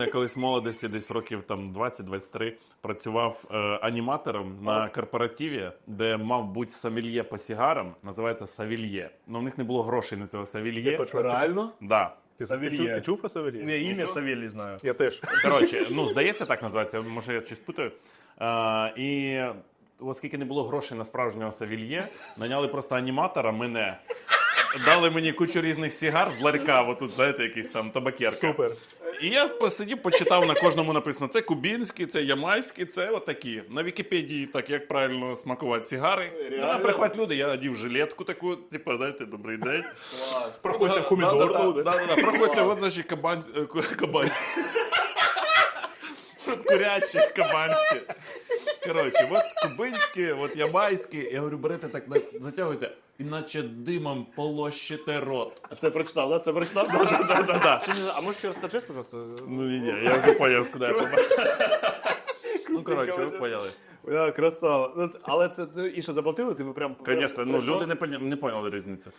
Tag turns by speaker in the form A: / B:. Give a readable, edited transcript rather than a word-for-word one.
A: колись в молодості, десь років там 20-23, працював аніматором на корпоративі, де мав бути сомельє по сигарам, називається савільє. Ну, в них не було грошей на цього савільє.
B: Реально?
A: Да.
B: Ти чув про Савелія?
C: Я ім'я Савелій знаю.
B: Я теж.
A: Коротше, ну, здається, так називається, може я щось путаю. І оскільки не було грошей на справжнього савільє, наняли просто аніматора мене. Дали мені кучу різних сигар з ларька, отут, знаєте, якийсь там табакерка.
B: Супер.
A: І я посидів, почитав, на кожному написано, це кубінські, це ямайські, це отакі. На Вікіпедії так, як правильно смакувати сигари. Приходять люди, я одів жилетку таку, типу, знаєте, добрий день.
B: Проходьте хумідор.
A: Проходьте, от, значить, кабанські. От курячі, кабанські. Коротше, от кубинські, от ямайські. Я говорю, берете так, затягуйте, іначе димом полощите рот.
C: А це прочитав, да? Це прочитав?
A: Да-да-да.
C: А можеш ще розтачеш, пожалуйста?
A: Ну ні, я вже поняв, куди я попав. Ну, коротше, ви поняли.
C: Красава. Але це і що, заплатили? Ти прям...
A: Звісно, ну
C: прийшов?
A: люди не поняли різницю.